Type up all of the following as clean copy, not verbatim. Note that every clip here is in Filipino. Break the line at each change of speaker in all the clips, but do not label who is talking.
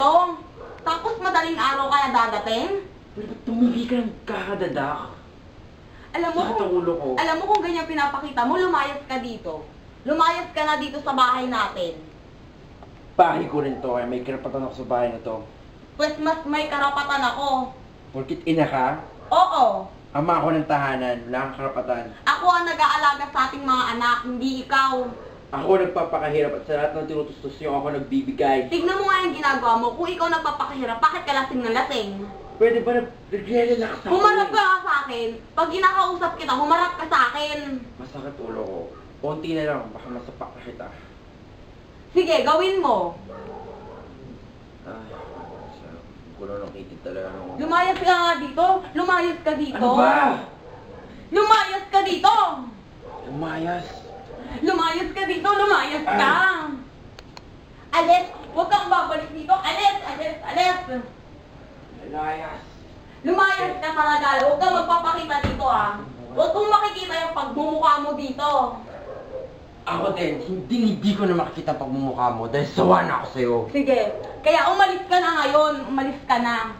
Tong, tapos madaling araw ka na dadating?
Pero ba't tumigil ka ng kakadadak?
Alam mo
Sakit
kung,
ang ulo ko.
alam mo kung ganyan pinapakita mo, lumayas ka dito. Lumayas ka na dito sa bahay natin.
Bahay ko rin to, kaya may karapatan ako sa bahay na to.
Pues mas may karapatan ako.
Porkit ina ka,
Oo,
ama ako ng tahanan, wala kang karapatan.
ako ang nag-aalaga sa ating mga anak, hindi ikaw.
Ako nagpapakahirap at sa lahat ng tinutustos niyo ako nagbibigay.
Tignan mo nga yung ginagawa mo. Kung ikaw nagpapakahirap, bakit ka lasing na lasing?
Pwede ba nag-relax ako?
Humarap ka nga sa akin. Pag kinakausap kita, humarap ka sa akin.
Masakit ulo ko. Konti na lang, baka masapak na kita.
Sige, gawin mo.
Ay, sa gulo ng kitid talaga nung...
Lumayas ka nga dito. Lumayas ka dito.
Ano ba?
Lumayas ka dito.
Umayas.
Lumayas ka dito. Lumayas ka. Alis. Huwag kang babalik dito. Alis. Alis. Alis.
Layas.
Lumayas ka talaga. Huwag kang magpapakita dito ah. Huwag kong makikita yung pagmumukha mo dito.
Ako din, hindi ko na makikita ang pagmumukha mo dahil sawa na ako sa'yo.
Sige. Kaya umalis ka na ngayon. Umalis ka na.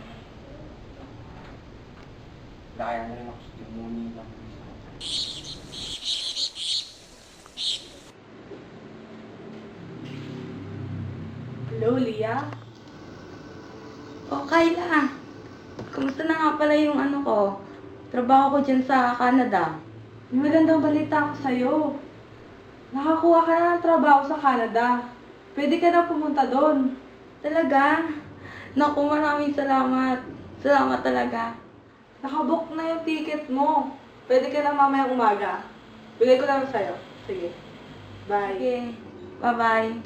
Laya na rin ako sa demoni lang.
Hello, Lia? O, Kayla. Kumusta na nga pala yung ano ko? Trabaho ko dyan sa Canada.
May magandang balita ako sa'yo. Nakakuha ka na ng trabaho sa Canada. Pwede ka na pumunta doon.
Talaga? Naku, maraming salamat. Salamat talaga.
Nakabook na yung ticket mo. Pwede ka na mamayang umaga. Bigay ko lang sa'yo. Sige. Bye.
Sige. Bye-bye.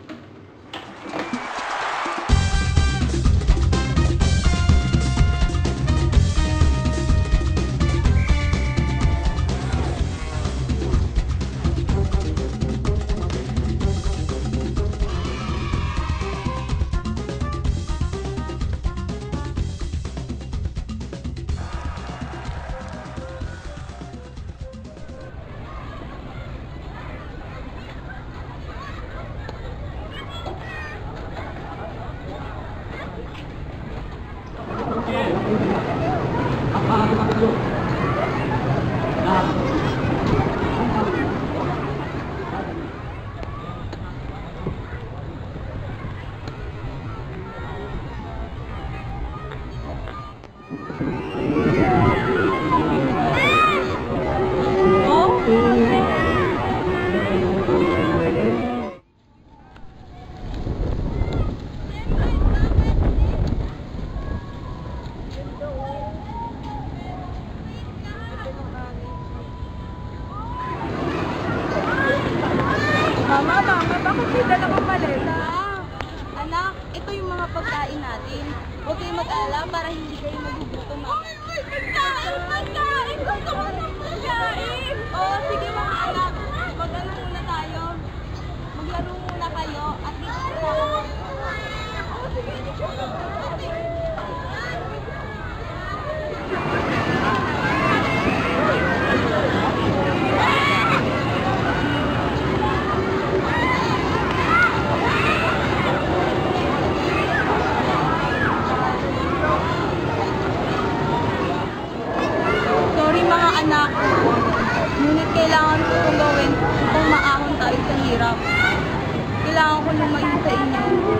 Mama, bakit may dalawang maleta?
Anak, ito yung mga pagkain natin. Huwag kayong mag-alala para hindi kayo magugutom. Pagkain! Pagkain! Gusto ko ng pagkain! Oo, sige mga anak. Mag-ano muna tayo. Maglaro muna kayo at dito na ako. Oo, sige. Sorry mga anak. Ngunit kailangan ko itong gawin upang maahon tayo sa hirap. Kailangan ko lumayo sa inyo.